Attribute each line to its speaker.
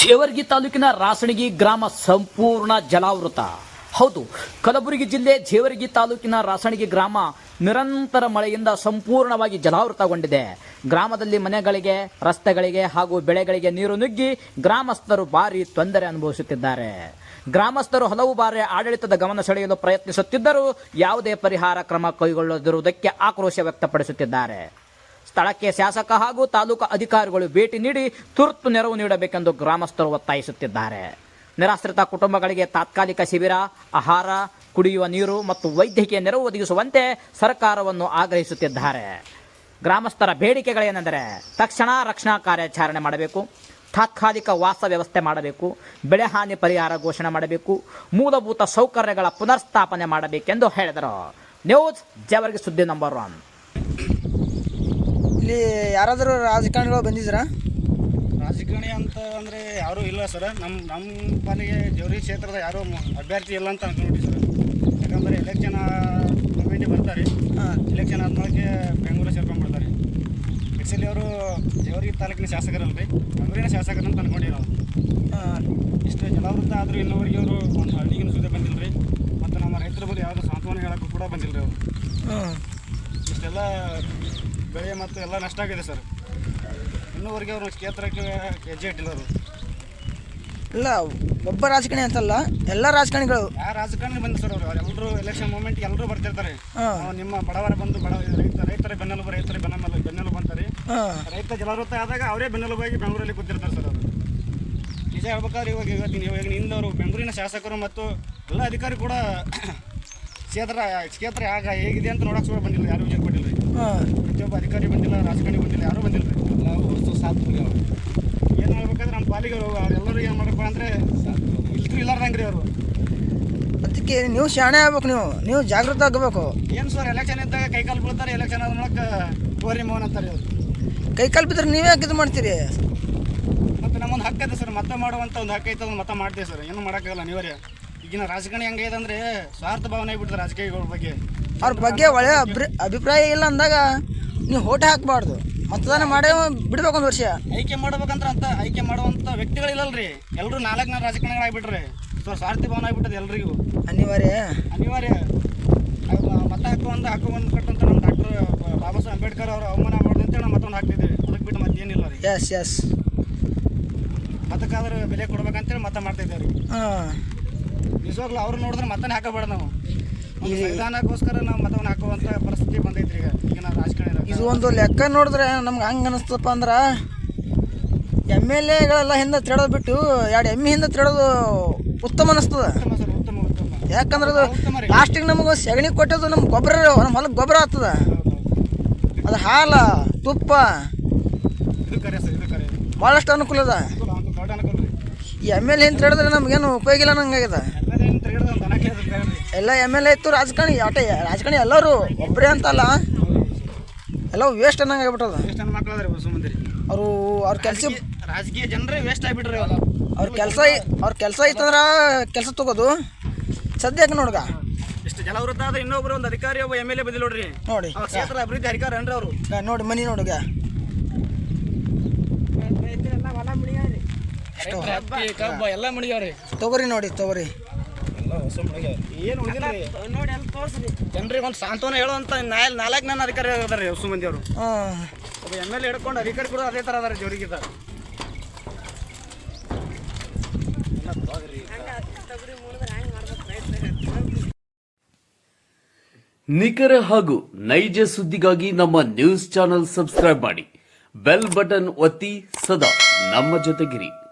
Speaker 1: ಜೇವರ್ಗಿ ತಾಲೂಕಿನ ರಾಸಣಗಿ ಗ್ರಾಮ ಸಂಪೂರ್ಣ ಜಲಾವೃತ. ಹೌದು, ಕಲಬುರಗಿ ಜಿಲ್ಲೆ ಜೇವರ್ಗಿ ತಾಲೂಕಿನ ರಾಸಣಗಿ ಗ್ರಾಮ ನಿರಂತರ ಮಳೆಯಿಂದ ಸಂಪೂರ್ಣವಾಗಿ ಜಲಾವೃತಗೊಂಡಿದೆ. ಗ್ರಾಮದಲ್ಲಿ ಮನೆಗಳಿಗೆ, ರಸ್ತೆಗಳಿಗೆ ಹಾಗೂ ಬೆಳೆಗಳಿಗೆ ನೀರು ನುಗ್ಗಿ ಗ್ರಾಮಸ್ಥರು ಭಾರಿ ತೊಂದರೆ ಅನುಭವಿಸುತ್ತಿದ್ದಾರೆ. ಗ್ರಾಮಸ್ಥರು ಹಲವು ಬಾರಿ ಆಡಳಿತದ ಗಮನ ಸೆಳೆಯಲು ಪ್ರಯತ್ನಿಸುತ್ತಿದ್ದರೂ ಯಾವುದೇ ಪರಿಹಾರ ಕ್ರಮ ಕೈಗೊಳ್ಳದಿರುವುದಕ್ಕೆ ಆಕ್ರೋಶ ವ್ಯಕ್ತಪಡಿಸುತ್ತಿದ್ದಾರೆ. ಸ್ಥಳಕ್ಕೆ ಶಾಸಕ ಹಾಗೂ ತಾಲೂಕು ಅಧಿಕಾರಿಗಳು ಭೇಟಿ ನೀಡಿ ತುರ್ತು ನೆರವು ನೀಡಬೇಕೆಂದು ಗ್ರಾಮಸ್ಥರು ಒತ್ತಾಯಿಸುತ್ತಿದ್ದಾರೆ. ನಿರಾಶ್ರಿತ ಕುಟುಂಬಗಳಿಗೆ ತಾತ್ಕಾಲಿಕ ಶಿಬಿರ, ಆಹಾರ, ಕುಡಿಯುವ ನೀರು ಮತ್ತು ವೈದ್ಯಕೀಯ ನೆರವು ಒದಗಿಸುವಂತೆ ಸರ್ಕಾರವನ್ನು ಆಗ್ರಹಿಸುತ್ತಿದ್ದಾರೆ. ಗ್ರಾಮಸ್ಥರ ಬೇಡಿಕೆಗಳೇನೆಂದರೆ ತಕ್ಷಣ ರಕ್ಷಣಾ ಕಾರ್ಯಾಚರಣೆ ಮಾಡಬೇಕು, ತಾತ್ಕಾಲಿಕ ವಾಸ ವ್ಯವಸ್ಥೆ ಮಾಡಬೇಕು, ಬೆಳೆ ಹಾನಿ ಪರಿಹಾರ ಘೋಷಣೆ ಮಾಡಬೇಕು, ಮೂಲಭೂತ ಸೌಕರ್ಯಗಳ ಪುನರ್ಸ್ಥಾಪನೆ ಮಾಡಬೇಕೆಂದು ಹೇಳಿದರು. ನ್ಯೂಸ್ ಜೇವರ್ಗಿ ಸುದ್ದಿ ನಂಬರ್ 1.
Speaker 2: ಇಲ್ಲಿ ಯಾರಾದರೂ ರಾಜಕಾರಣಿಗಳು ಬಂದಿದ್ದೀರಾ?
Speaker 3: ರಾಜಕಾರಣಿ ಅಂತ ಅಂದರೆ ಯಾರೂ ಇಲ್ಲ ಸರ್. ನಮ್ಮ ಪಾಲಿಗೆ ಜೇವರ್ಗಿ ಕ್ಷೇತ್ರದ ಯಾರೂ ಅಭ್ಯರ್ಥಿ ಇಲ್ಲ ಅಂತ ಅನ್ಕೊಂಡ್ಬಿಟ್ಟು ಸರ್. ಯಾಕಂದರೆ ಎಲೆಕ್ಷನ್ ಕಮಿಟಿ ಬರ್ತಾರೆ, ಎಲೆಕ್ಷನ್ ಆದ್ಮೇಲೆ ಬೆಂಗಳೂರು ಸೇರ್ಕೊಂಡ್ಬಿಡ್ತಾರೆ. ಆ್ಯಕ್ಚುಲಿ ಅವರು ಜೇವರ್ಗಿ ತಾಲೂಕಿನ ಶಾಸಕರಲ್ರಿ, ಬೆಂಗಳೂರಿನ ಶಾಸಕರು ಅಂತ ಅನ್ಕೊಂಡಿವಿ ನಾವು. ಇಷ್ಟು ಜಲಾವೃತ ಆದರೂ ಇನ್ನೂವರೆಗೆ ಅವರು ಒಂದು ಹಳ್ಳಿಗಿನ ಸುದ್ದಿ ಬಂದಿಲ್ಲ ರೀ. ಮತ್ತು ನಮ್ಮ ರೈತರ ಬಳಿ ಯಾವುದೋ ಸಾಂತ್ವನ ಹೇಳೋಕ್ಕೂ ಕೂಡ ಬಂದಿಲ್ಲ ರೀ ಅವರು. ಇಷ್ಟೆಲ್ಲ ಬೆಳೆ ಮತ್ತು ಎಲ್ಲ ನಷ್ಟ ಆಗಿದೆ ಸರ್. ಇನ್ನೂವರೆಗೆ ಅವರು ಕ್ಷೇತ್ರಕ್ಕೆ ಹೆಜ್ಜೆ ಇಟ್ಟಿಲ್ಲ ಅವರು.
Speaker 2: ಇಲ್ಲ, ಒಬ್ಬ ರಾಜಕಾರಣಿ ಅಂತಲ್ಲ, ಎಲ್ಲ ರಾಜಕಾರಣಿಗಳು.
Speaker 3: ಯಾವ ರಾಜಕಾರಣಿ ಬಂದು ಸರ್ ಅವರು ಎಲ್ಲರೂ ಎಲೆಕ್ಷನ್ ಮೂಮೆಂಟ್ಗೆ ಎಲ್ಲರೂ ಬರ್ತಿರ್ತಾರೆ. ನಿಮ್ಮ ಬಡವರ ಬಂದು ರೈತರ ಬೆನ್ನೆಲುಬು ಅಂತಾರೆ. ರೈತ ಜಲಾವೃತ ಆದಾಗ ಅವರೇ ಬೆನ್ನೆಲುಬಾಗಿ ಬೆಂಗಳೂರಲ್ಲಿ ಕೂತಿರ್ತಾರೆ ಸರ್ ಅವರು. ನಿಜ ಹೇಳ್ಬೇಕಾದ್ರೆ ಇವಾಗ ನಿಂದವರು ಬೆಂಗಳೂರಿನ ಶಾಸಕರು ಮತ್ತು ಎಲ್ಲ ಅಧಿಕಾರಿ ಕೂಡ ಕ್ಷೇತ್ರ ಹೇಗಿದೆ ಅಂತ ನೋಡಕ್ಕೆ ಕೂಡ ಬಂದಿಲ್ಲ, ಯಾರು ವಿಚಾರ ಕೊಟ್ಟಿಲ್ಲ ರೀ. ಪ್ರತಿಯೊಬ್ಬ ಅಧಿಕಾರಿ ಬಂದಿಲ್ಲ, ರಾಜಕಾರಣಿ ಬಂದಿಲ್ಲ, ಯಾರೂ ಬಂದಿಲ್ಲ ರೀ. ಎಲ್ಲ ವಸ್ತು ಸಾಥ್ ಏನು ಮಾಡ್ಬೇಕಾದ್ರೆ ನಮ್ಮ ಪಾಲಿಗೆ ಅವರೆಲ್ಲರೂ ಏನು ಮಾಡಬೇಕು ಅಂದರೆ ಇಲ್ದ್ರು ಇಲ್ಲಾರ್ದಂಗೆ ರೀ ಅವರು.
Speaker 2: ಅದಕ್ಕೆ ನೀವು ಶಾಣೆ ಆಗ್ಬೇಕು, ನೀವು ಜಾಗೃತ ಆಗಬೇಕು.
Speaker 3: ಏನು ಸರ್, ಎಲೆಕ್ಷನ್ ಇದ್ದಾಗ ಕೈಕಾಲು ಬೀಳ್ತಾರೆ, ಎಲೆಕ್ಷನ್ ಆದ ಮೂಲಕ ಟೋರಿ ಮೋಹನ್ ಅಂತಾರೆ ಅವರು.
Speaker 2: ಕೈಕಾಲು ಬಿದ್ದರೆ ನೀವೇ ಇದು ಮಾಡ್ತೀರಿ.
Speaker 3: ಮತ್ತು ನಮ್ಮೊಂದು ಹಕ್ಕು ಇದೆ ಸರ್, ಮತ ಮಾಡುವಂಥ ಒಂದು ಹಕ್ಕು ಐತೆ, ಅದನ್ನು ಮತ ಮಾಡ್ತೀವಿ ಸರ್. ಏನು ಮಾಡೋಕ್ಕಾಗಲ್ಲ ಅನಿವಾರ್ಯ. ಈಗಿನ ರಾಜಕಾರಣಿ ಹೆಂಗಿದೆ ಅಂದರೆ ಸ್ವಾರ್ಥ ಭಾವನೆ ಆಗಿಬಿಡ್ತಾರೆ ರಾಜಕೀಯಗಳ ಬಗ್ಗೆ. ಅವ್ರ
Speaker 2: ಬಗ್ಗೆ ಒಳ್ಳೆಯ ಅಭಿಪ್ರಾಯ ಇಲ್ಲ ಅಂದಾಗ ನೀವು ಓಟ್ ಹಾಕಬಾರ್ದು, ಮತದಾನ ಮಾಡೇ ಬಿಡ್ಬೇಕು. ಒಂದು ವರ್ಷ
Speaker 3: ಆಯ್ಕೆ ಮಾಡ್ಬೇಕಂದ್ರೆ ಅಂತ ಆಯ್ಕೆ ಮಾಡುವಂಥ ವ್ಯಕ್ತಿಗಳಿಲ್ಲಲ್ರಿ. ಎಲ್ಲರೂ 4 ರಾಜಕಾರಣಿಗಳಾಗ್ಬಿಟ್ರೆ ಸೊ ಸ್ವಾರ್ಥಿ ಭಾವನೆ ಆಗಿಬಿಟ್ಟದೆ ಎಲ್ರಿಗೂ.
Speaker 2: ಅನಿವಾರ್ಯ
Speaker 3: ಮತ ಹಾಕುವಂದು ಕಟ್ಟಂತ ನಮ್ಮ ಡಾಕ್ಟರ್ ಬಾಬಾ ಸಾಹೇಬ್ ಅಂಬೇಡ್ಕರ್ ಅವರು ಅವಮಾನ ಮಾಡೋದಂತೇಳಿ ನಾವು ಮತ್ತೊಂದು ಹಾಕ್ತಿದ್ದೀವಿ. ಅದಕ್ಕೆ ಬಿಟ್ಟು ಮತ್ತೇನಿಲ್ಲ ರೀ.
Speaker 2: ಎಸ್
Speaker 3: ಮತಕ್ಕಾದ್ರೆ ಬೆಲೆ ಕೊಡ್ಬೇಕಂತೇಳಿ ಮತ ಮಾಡ್ತಿದ್ದೇವೆ ರೀ. ನಿಜವಾಗ್ಲೂ ಅವ್ರು ನೋಡಿದ್ರೆ ಮತನೇ ಹಾಕಬೇಡ. ನಾವು ಸಂವಿಧಾನಕ್ಕೋಸ್ಕರ ನಾವು ಮತವನ್ನು ಹಾಕುವಂಥ ಪರಿಸ್ಥಿತಿ ಬಂದೈತ್ರಿ ಈಗಿನ ರಾಜಕಾರಣ.
Speaker 2: ಇದು ಒಂದು ಲೆಕ್ಕ ನೋಡಿದ್ರೆ ನಮ್ಗೆ ಹಂಗೆ ಅನಿಸ್ತಪ್ಪ ಅಂದ್ರೆ MLAಗಳೆಲ್ಲ ಹಿಂದೆ ತಿಳೋದು ಬಿಟ್ಟು 2 ಎಮ್ಮೆ ಹಿಂದೆ ತಿಳೋದು ಉತ್ತಮ ಅನಿಸ್ತದ.
Speaker 3: ಉತ್ತಮ.
Speaker 2: ಯಾಕಂದ್ರೆ ಅದು ಲಾಸ್ಟಿಗೆ ನಮಗೆ ಸಗಣಿ ಕೊಟ್ಟದು ನಮ್ಮ ಗೊಬ್ಬರ, ನಮ್ಮ ಹೊಲಕ್ಕೆ ಗೊಬ್ಬರ ಆಗ್ತದ. ಅದು ಹಾಲ, ತುಪ್ಪ
Speaker 3: ಇದು ಕರೆ ಸರ್, ಇದು ಕರೆ
Speaker 2: ಭಾಳಷ್ಟು ಅನುಕೂಲ ಅದ. ಈ MLA ಹಿಂದೆ ತಿಳಿದ್ರೆ ನಮಗೇನು ಉಪಯೋಗ ಇಲ್ಲ ನಂಗಾಗಿದೆ. ಎಲ್ಲ MLA ಇತ್ತು, ರಾಜಕಾರಣಿ ಎಲ್ಲರೂ ಒಬ್ಬರೇ ಅಂತಲ್ಲ, ಎಲ್ಲ ವೇಸ್ಟ್ ಅನ್ನಂಗೆ ಆಗ್ಬಿಟ್ಟದ. ಅವ್ರ ಕೆಲಸ
Speaker 3: ರಾಜಕೀಯ ಜನರೇ ವೇಸ್ಟ್ ಆಗಿಬಿಟ್ರಿ.
Speaker 2: ಅವ್ರ ಕೆಲಸ ಐತಂದ್ರೆ ಕೆಲಸ ತಗೋದು. ಸದ್ಯಕ್ಕೆ ನೋಡ್ಗ
Speaker 3: ಇಷ್ಟು ಜಲವೃತ ಆದ್ರೆ ಇನ್ನೊಬ್ರು ಒಂದು ಅಧಿಕಾರಿ ಒಬ್ಬ MLA ಬಂದಿಲ್ಲ ನೋಡ್ರಿ.
Speaker 2: ನೋಡಿ
Speaker 3: ಕ್ಷೇತ್ರ ಅಭಿವೃದ್ಧಿ ಅಧಿಕಾರಿ ಅನ್ರಿ ಅವರು.
Speaker 2: ನೋಡಿ ಮನಿ ನೋಡುಗ
Speaker 3: ಎಲ್ಲ ಮುಡಿಯವ್ರಿ.
Speaker 2: ತಗೋರಿ
Speaker 3: ಏನು ನೋಡಿ ಅಲ್ಲಿ ತೋರಿಸ್ರಿ. ಜನರಿಗೆ ಒಂದು ಸಾಂತ್ವನ ಹೇಳುವಂಥ 4 ಅಧಿಕಾರಿ ಅದಾರೆ ಹೊಸ ಮಂದಿ ಅವರು. ಒಬ್ಬ MLA ಹಿಡ್ಕೊಂಡು ಅಧಿಕಾರಿ ಕೂಡ ಅದೇ ಥರ ಅದಾರೆ ಜೋರಿಗಿದ್ದ.
Speaker 4: ನಿಖರ ಹಾಗೂ ನೈಜ ಸುದ್ದಿಗಾಗಿ ನಮ್ಮ ನ್ಯೂಸ್ ಚಾನೆಲ್ ಸಬ್ಸ್ಕ್ರೈಬ್ ಮಾಡಿ, ಬೆಲ್ ಬಟನ್ ಒತ್ತಿ ಸದಾ ನಮ್ಮ ಜೊತೆಗಿರಿ.